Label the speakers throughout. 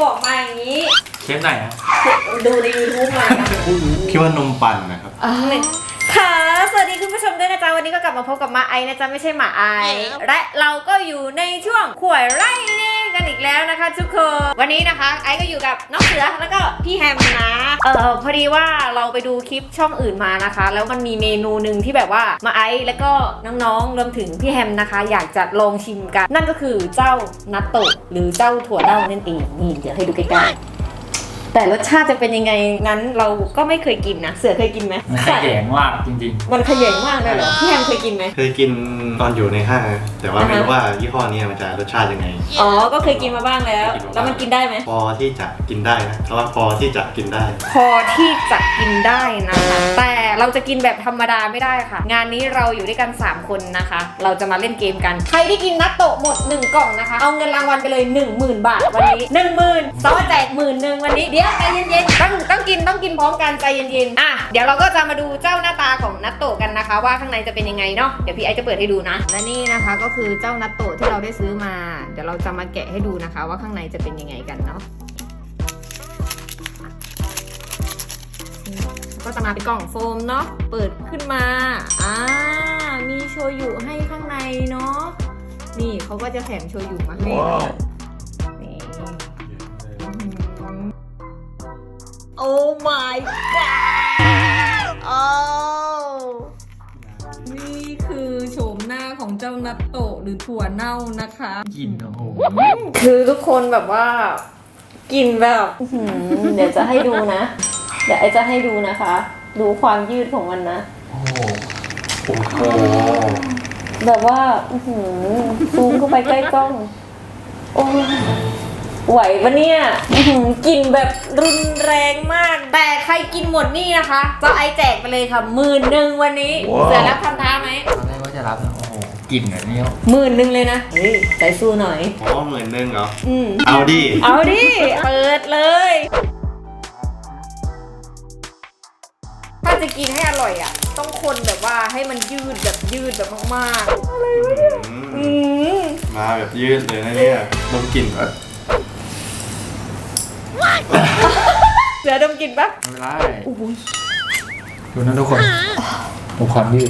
Speaker 1: บอกมาอย่างนี้
Speaker 2: เชฟไหนอะ
Speaker 1: ดูใน YouTube มา
Speaker 3: คิดว่านมปั่นนะครับ
Speaker 1: ค่ะสวัสดีคุณผู้ชมด้วยนะจ๊ะวันนี้ก็กลับมาพบกับมาไอนะจ๊ะไม่ใช่หมาไอและเราก็อยู่ในช่วงขวยไร่นี่กันอีกแล้วนะคะทุกคนวันนี้นะคะไอก็อยู่กับน้องเสือแล้วก็พี่แฮมนะพอดีว่าเราไปดูคลิปช่องอื่นมานะคะแล้วมันมีเมนูหนึ่งที่แบบว่ามาไอแล้วก็น้องๆรวมถึงพี่แฮมนะคะอยากจะลองชิมกันนั่นก็คือเจ้านัตโตะหรือเจ้าถั่วเน่านั่นเองนี่เดี๋ยวให้ดูใกล้ๆแต่รสชาติจะเป็นยังไงนั้นเราก็ไม่เคยกินนะเสือเคยกินไหม
Speaker 2: มันขยงมากจริง
Speaker 1: ๆมันขยงมากเลยเหรอพี่แฮมเคยกินไหม
Speaker 3: เคยกินตอนอยู่ในห้างแต่ว่าไม่รู้ว่ายี่ห้อนี้มันจะรสชาติยังไง
Speaker 1: อ๋อก็เคยกินมาบ้างแล้วแล้วมันกินได้ไหม
Speaker 3: พอที่จะกินได้นะเพราะว่าพอที่จะกินได้
Speaker 1: พอที่จะกินได้นะคะแต่เราจะกินแบบธรรมดาไม่ได้ค่ะงานนี้เราอยู่ด้วยกัน3คนนะคะเราจะมาเล่นเกมกันใครที่กินนัตโตะหมด1กล่องนะคะเอาเงินรางวัลไปเลย 10,000 บาทวันนี้ 10,000 ซ้อแจก 10,000 วันนี้เดี๋ยวใจเย็นๆต้องกินพร้อมกันใจเย็นๆเดี๋ยวเราก็จะมาดูเจ้าหน้าตาของนัตโตะกันนะคะว่าข้างในจะเป็นยังไงเนาะเดี๋ยวพี่ไอจะเปิดให้ดูนะและนี่นะคะก็คือเจ้านัตโตะที่เราได้ซื้อมาเดี๋ยวเราจะมาแกะให้ดูนะคะว่าข้างในจะเป็นยังไงกันเนาะก็จะมาเป็นกล่องโฟมเนาะเปิดขึ้นมามีโชยุให้ข้างในเนาะนี่เขาก็จะแถมโชยุมาให้นี่โอ้ my god โอ้นี่คือโฉมหน้าของเจ้านัตโตะหรือถั่วเน่านะคะ
Speaker 2: กินโอ้โห
Speaker 1: คือทุกคนแบบว่ากินแบบเดี๋ยวจะให้ดูนะเดี๋ยวไอจะให้ดูนะคะดูความยืดของมันนะ
Speaker 3: โอ้โห
Speaker 1: แบบว่าซูมเข้าไปใกล้กล้องโอ้ไหวปะเนี่ยกินแบบรุนแรงมากแต่ใครกินหมดนี่นะคะก็ไอแจกไปเลยค่ะ10,000วันนี้เสร็จแล้วทำท้าไหม
Speaker 2: ตอนแรกว่าจะรับนะโอ้โหกินแบบนี้
Speaker 1: 10,000เลยนะเฮ้ยใจสู้หน่อย
Speaker 3: อ๋อ10,000เหรอเอาดิ
Speaker 1: เปิดเลยถ้าจะกินให้อร่อยต้องคนแบบว่าให้มันยืดแบบมากๆอะไรวะเนี่ย
Speaker 3: มาแบบยืดเลยนะเนี่ยดมกลิ่นแบบ
Speaker 1: เสือดมกลิ่นปะ
Speaker 2: ไม่เป็นไรดูนะทุกคนดูความยืด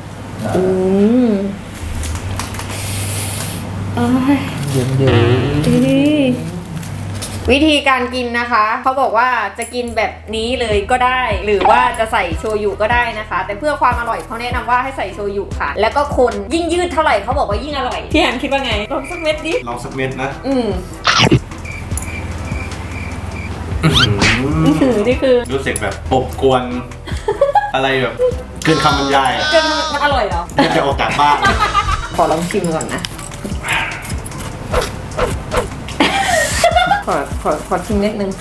Speaker 2: เย็น
Speaker 1: วิธีการกินนะคะเขาบอกว่าจะกินแบบนี้เลยก็ได้หรือว่าจะใส่โชยุก็ได้นะคะแต่เพื่อความอร่อยเขาแนะนำว่าให้ใส่โชยุค่ะแล้วก็คนยิ่งยืดเท่าไหร่เขาบอกว่ายิ่งอร่อยพี่แฮมคิดว่าไงลองสักเม็ดดิ
Speaker 3: ลองสักเม็ดนะ
Speaker 1: นี่คือ
Speaker 3: รู้สึกแบบอบกวนอะไรแบบเกินคำบรรยาย
Speaker 1: เกินมันอร่อยเหรอ
Speaker 3: จะออกจากบ้าน
Speaker 1: ขอลองชิมก่อนนะขอชิมนิดนึง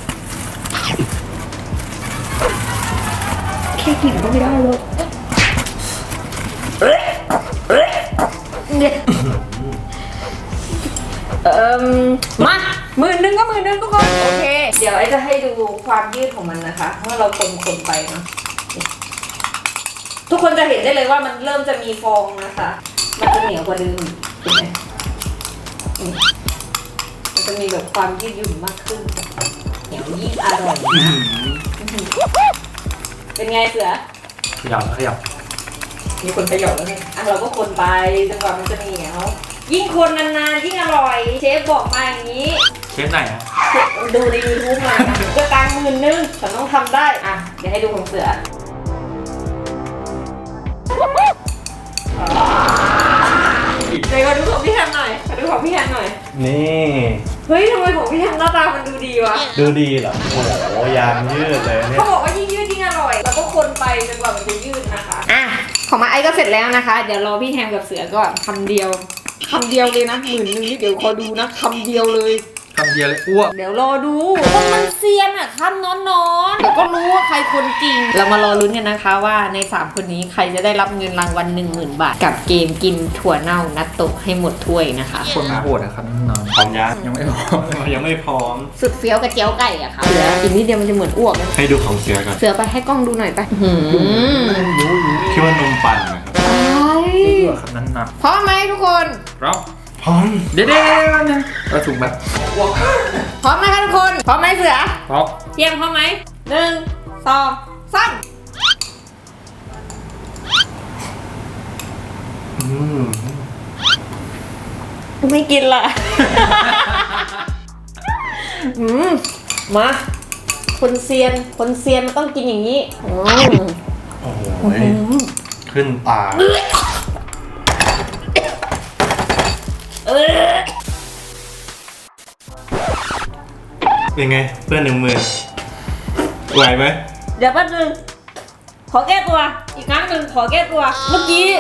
Speaker 1: แค่กลิ่นก็ไม่ได้เลยเนี่ยมา10,000ก็10,000ทุกคนโอเคเดี๋ยวไอจะให้ดูความยืดของมันนะคะเพราะเราคนไปเนาะทุกคนจะเห็นได้เลยว่ามันเริ่มจะมีฟองนะคะมันจะเหนียวกว่าเดิมเห็นไหมมันจะมีแบบความยืดหยุ่นมากขึ้นเหนียวยิ่งอร่อยนะเป็นไงเสือ
Speaker 2: ขยับ
Speaker 1: มีคนขยับแล้วไงเราก็คนไปจนกว่ามันจะเหนียวยิ่งคนนานๆยิ่งอร่อยเชฟบอกมาอย่างนี้
Speaker 2: เชฟไหนอะ
Speaker 1: ดูใน YouTube มาก็ตัง10,000ฉันต้องทำได้เดี๋ยวให้ดูของเสือเดี๋ยวมาดูของพี่แฮมหน่อย
Speaker 3: นี่
Speaker 1: เฮ้ยทำไมของพี่แฮมหน้าตามันดูดีวะ
Speaker 3: ดูดีเหรอโอ้โหยางยืดเลยเนี่ย
Speaker 1: เขาบอกว่ายิ่งยืดยิ่งอร่อยแล้วก็คนไปจนกว่ามันจะยืดนะคะของมาไอก็เสร็จแล้วนะคะเดี๋ยวรอพี่แฮมกับเสือก่อนคำเดียวเลยนะ10,000นี่เดี๋ยวขอดูนะคำเดียวเลย
Speaker 2: อ้วก
Speaker 1: เดี๋ยวรอดูคนมันเซียนคำนอนเดี๋ยวก็รู้ว่าใครคนจริงเรามารอลุ้นกันนะคะว่าใน3คนนี้ใครจะได้รับเงินรางวัล10,000 บาทกับเกมกินถั่วเน่านัตโตะให้หมดถ้วยนะคะ
Speaker 2: คนโหดครับนอน
Speaker 3: พร้อม
Speaker 2: ยังไม่พร้อม
Speaker 1: สุดเฟี้ยวกับเจียวไก่ค่ะเสือกินนิดเดียวมันจะเหมือนอ้วก
Speaker 3: ให้ดูของเสือกัน
Speaker 1: เสือไปให้กล้องดูหน่อยไป
Speaker 3: คิดว่านมปั่นนะครับ
Speaker 1: พร้อมไหมทุกคน
Speaker 3: พร้อม
Speaker 2: เดี๋ยวนะถุงแบบ
Speaker 1: พร้อมนะคะทุกพร้อมไหมเสือ
Speaker 2: พร้อม
Speaker 1: เตรียมพร้อมไหม1 2 3ไม่กินละ มาคนเซียนมันต้องกินอย่างนี้
Speaker 3: โอ้โหขึ้นปากเป็นไงเพื่อน10,000ไหวไหม
Speaker 1: เดี๋ยวแป๊บนึงขอแก้ตัวอีกครั้งหนึ่งขอแก้ตัวเมื่อกี้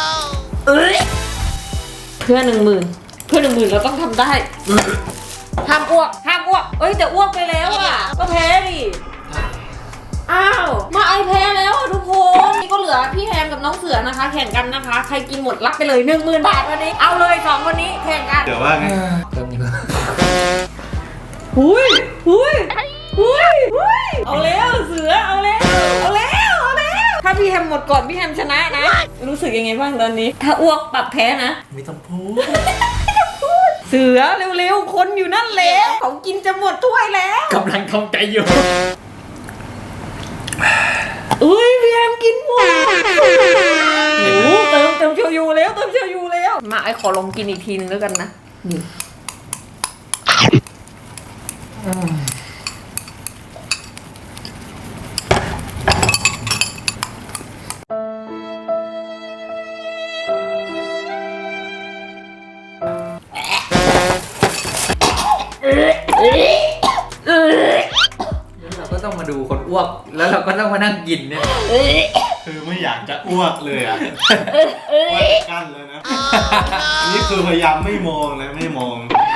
Speaker 1: เพื่อน10,000เราต้องทำได้ห้ามอ้วกเอ้ยแต่อ้วกไปแล้วอ่ะก็แพ้ดิอ้าวมาไอแพ้แล้วอ่ะทุกคนนี่ก็เหลือพี่แฮมกับน้องเสือนะคะ แข่งกันนะคะ ใครกินหมดรับไปเลย 10,000 บาทวันนี้เอาเลย2คนนี้แข่งกัน
Speaker 3: เดี๋ยวว่าไง
Speaker 2: เริ่มนี้แล้ว
Speaker 1: หุยเอาแล้วเสือเอาแล้วถ้าพี่แฮมหมดก่อนพี่แฮมชนะนะรู้สึกยังไงบ้างตอนนี้ ถ้าอ้วกปรับแพ้นะ
Speaker 3: ไม่ต้องพูด
Speaker 1: เสือเร็วๆคนอยู่นั่นแล้วเขากินจะหมดถ้วยแล้ว
Speaker 2: กำลังทำใจอยู่
Speaker 1: อุ้ยพี่แฮมกินหมดโอ้เติมเชียวยูแล้วมาไอขอลองกินอีกทีนึงแล้วกันนะนี่
Speaker 2: เราก็ต้องมาดูคนอ้วก แล้วเราก็ต้องมานั่งกินเนี่ย
Speaker 3: คือไม่อยากจะอ้วกเลยอ่ะว่าจะกั้นเลยนะอันนี้คือพยายามไม่มองนะไม่มอง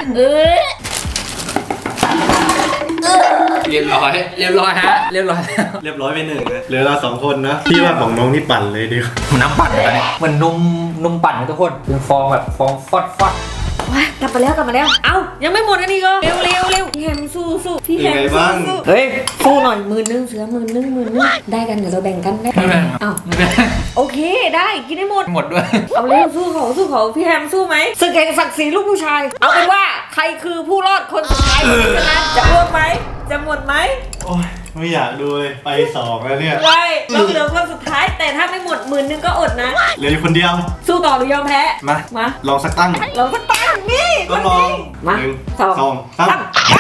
Speaker 2: เรียบร้อยฮะ เรียบร้อยแล้ว
Speaker 3: เรียบร้อยไป1นะเหลือเรา2คนนะพี่ว่าของน้องนี่ปั่นเลยดีกว่า
Speaker 2: มันน้ำปั่นกันเนี่ยเหมือนนมปั่นนะทุกคนเป็นฟองแบบฟองฟอด
Speaker 1: ว้ากลับมาแล้วเอ้ายังไม่หมดอันนี้ก็เร็วพี่แฮมสู้พี่แฮมสู้เฮ้ยสู้หน่อย10,000เสือ10,000ได้กันเดี๋ยวเราแบ่งกันได้
Speaker 2: ไม่แบ่ง
Speaker 1: เอ้าโอเคได้กินได้หมด
Speaker 2: หมดด้วย
Speaker 1: เอาเร็วสู้เขาพี่แฮมสู้ไหมศึกแห่งศักดิ์ศรีลูกผู้ชายเอาเป็นว่าใครคือผู้รอดคนสุดท้ายชนะจะอ้วกไหมจะหมดไหม
Speaker 3: โอ้ยไม่อยากดูเลยไป2แล้วเนี่ย
Speaker 1: ไม่ต้องเหลือคนสุดท้ายแต่ถ้าไม่หมด10,000ก็อดนะ
Speaker 3: เหลืออยู่คนเดียว
Speaker 1: สู้ต่อหรือยอมแพ้
Speaker 3: มาลองสักตั้ง
Speaker 1: เราก็ตั้งนี่
Speaker 3: ก็ลอง
Speaker 1: มา
Speaker 3: 1 2 3
Speaker 1: ไป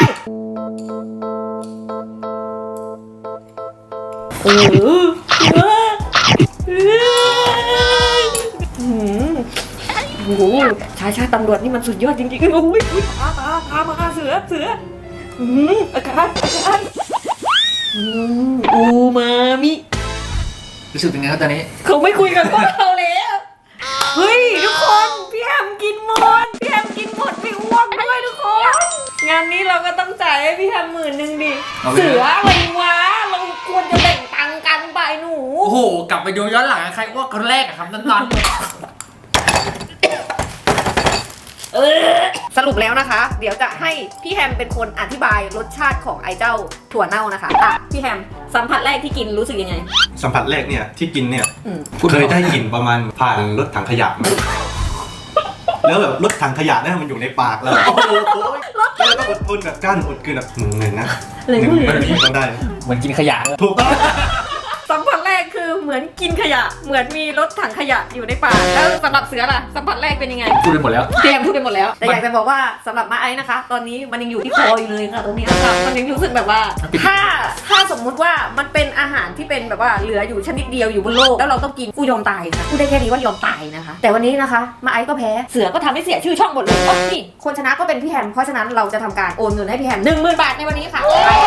Speaker 1: โอ้โหชายตำรวจนี่มันสุดยอดจริงๆโอ้ยพามาเสืออาการอูมามิ
Speaker 2: รู้สึกเป็นไงครับตอนนี้
Speaker 1: เขาไม่คุยกันก็เราแล้วเฮ้ยทุกคนพี่แฮมกินหมดไม่อ้วกด้วยทุกคนงานนี้เราก็ต้องจ่ายให้พี่แฮม10,000ดิเสืออะไรวะเราควรจะแบ่งตังค์กันไปหนู
Speaker 2: โอ้โห กลับไปดูย้อนหลังใครอ้วกคนแรกอะครับตอน
Speaker 1: สรุปแล้วนะคะ เดี๋ยวจะให้พี่แฮมเป็นคนอธิบายรสชาติของไอเจ้าถั่วเน่านะคะพี่แฮมสัมผัสแรกที่กินรู้สึกยังไง
Speaker 3: สัมผัสแรกเนี่ยที่กินเนี่ย
Speaker 2: พูด
Speaker 3: เค
Speaker 2: ไม่
Speaker 3: ย
Speaker 2: ออก
Speaker 3: ได้กลิ่นประมาณผ่านรถถังขยะมาแล้วแบบรถถังขยะเนี่ยมันอยู่ในปากแล้วโอ้โหแล้วก็อดทนแบบกั้นอดกลืนแบบ1 นะ1นี้ต้องได้
Speaker 2: เหมือนกินขยะเลย
Speaker 3: ถูกต้อง
Speaker 1: สัมผัสแรกคือเหมือนกินขยะเหมือนมีรถถังขยะอยู่ในปากแล้วสำหรับเสือล่ะสัมผัสแรกเป็นยังไง
Speaker 2: พูดไปหมดแล้ว
Speaker 1: เตรียมพูดไปหมดแล้วแต่อยากจะบอกว่าสำหรับมาไอซ์นะคะ ตอนนี้มันยังอยู่ที่คออยู่เลยค่ะตรงนี้ค่ะมันยังรู้สึกแบบว่าถ้าสมมุติว่ามันเป็นอาหารที่เป็นแบบว่าเหลืออยู่ชนิดเดียวอยู่บนโลกแล้วเราต้องกินกูยอมตายค่ะกูได้แค่นี้ว่ายอมตายนะคะแต่วันนี้นะคะมาไอซ์ก็แพ้เสือก็ทำให้เสียชื่อช่องหมดเลยนี่คนชนะก็เป็นพี่แฮมเพราะฉะนั้นเราจะทำการโอนเงินให้พี่แฮม10,000 บาทในวันนี้ค่ะ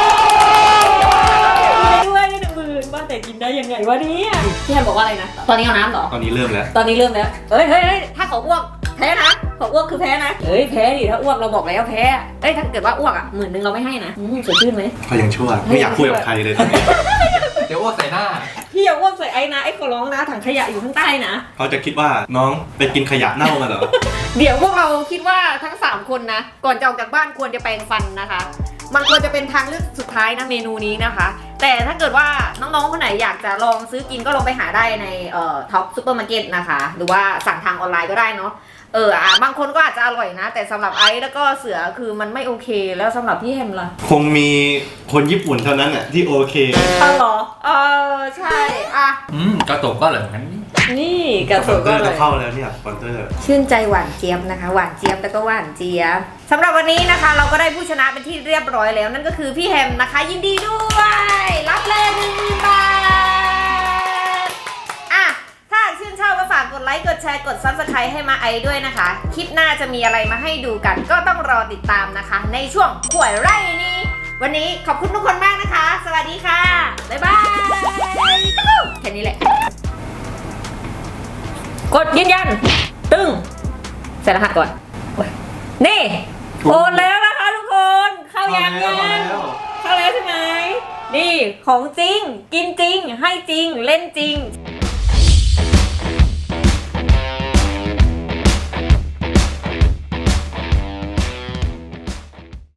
Speaker 1: ด้วย10,000 บาทแต่กินได้ยังไงวะเนี่ยพี่แฮมบอกว่าอะไรนะตอนนี้เอาน้ำเหรอ
Speaker 3: ตอนนี้เริ่มแล้ว
Speaker 1: ตอนนี้เริ่มแล้วเฮ้ยถ้าเขาอ้วกแพ้นะเขาอ้วกคือแพ้นะเฮ้ยแพ้ดิถ้าอ้วกเราบอกแล้วแพ้เอ้ยถ้าเกิดว่าอ้วก10,000เราไม่ให้นะสดชื่นไหม
Speaker 3: ก็ยังชั่วไม่อยากคุยกับใครเลยตอนนี้
Speaker 2: เดี๋ยวอ้วกใส่หน้า
Speaker 1: พี่อย่าอ้วกใส่ไอ้นะไอ้ขอร้องนะถังขยะอยู่ข้างใต้นะ
Speaker 3: เขาจะคิดว่าน้องไปกินขยะเน่ามาเหรอ
Speaker 1: เดี๋ยวพวกเราคิดว่าทั้ง3คนนะก่อนจะออกจากบ้านควรจะแปรงฟันนะคะมันควรจะเป็นทางเลือกสุดท้ายนะเมนูนี้นะคะ แต่ถ้าเกิดว่าน้องๆคนไหนอยากจะลองซื้อกินก็ลองไปหาได้ในท็อปซูเปอร์มาร์เก็ตนะคะหรือว่าสั่งทางออนไลน์ก็ได้เนาะบางคนก็อาจจะอร่อยนะ แต่สำหรับไอซ์แล้วก็เสือคือมันไม่โอเคแล้วสำหรับพี่แฮมล่ะ
Speaker 3: คงมีคนญี่ปุ่นเท่านั้นอ่ะที่โอเค
Speaker 1: เหรอใช่อ่ะ
Speaker 2: กระตกก็อร่อยเหมือนกันนี่
Speaker 1: นี่กระ
Speaker 3: ส
Speaker 1: สุ
Speaker 3: ปอน นเซ
Speaker 1: ก็
Speaker 3: อร์
Speaker 1: เล
Speaker 3: จะ
Speaker 1: ย
Speaker 3: เข้าแล้วเนี่ยสปอนเซอร์
Speaker 1: ชื่นใจหวานเจี๊ยบนะคะหวานเจี๊ยบแล้วก็หวานเจี๊ยบสำหรับวันนี้นะคะ เราก็ได้ผู้ชนะเป็นที่เรียบร้อยแล้ว นั่นก็คือพี่แฮมนะคะ ยินดีด้วยรับเลย1,000 บาทอ่ะถ้าชื่นชอบก็ฝากกดไลค์กดแชร์กด Subscribe ให้มาไอด้วยนะคะ คลิปหน้าจะมีอะไรมาให้ดูกัน ก็ต้องรอติดตามนะคะ ในช่วงข่วยไร่นี้วันนี้ขอบคุณทุกคนมากนะคะ สวัสดีค่ะบ๊ายบายแค่นี้แหละกดยืนยันตึ้งใส่รหัสก่อนโอ้ยนี่โอนแล้วนะคะทุกคนเข้ายังเข้าแล้วใช่ไหมนี่ของจริงกินจริงให้จริงเล่นจริง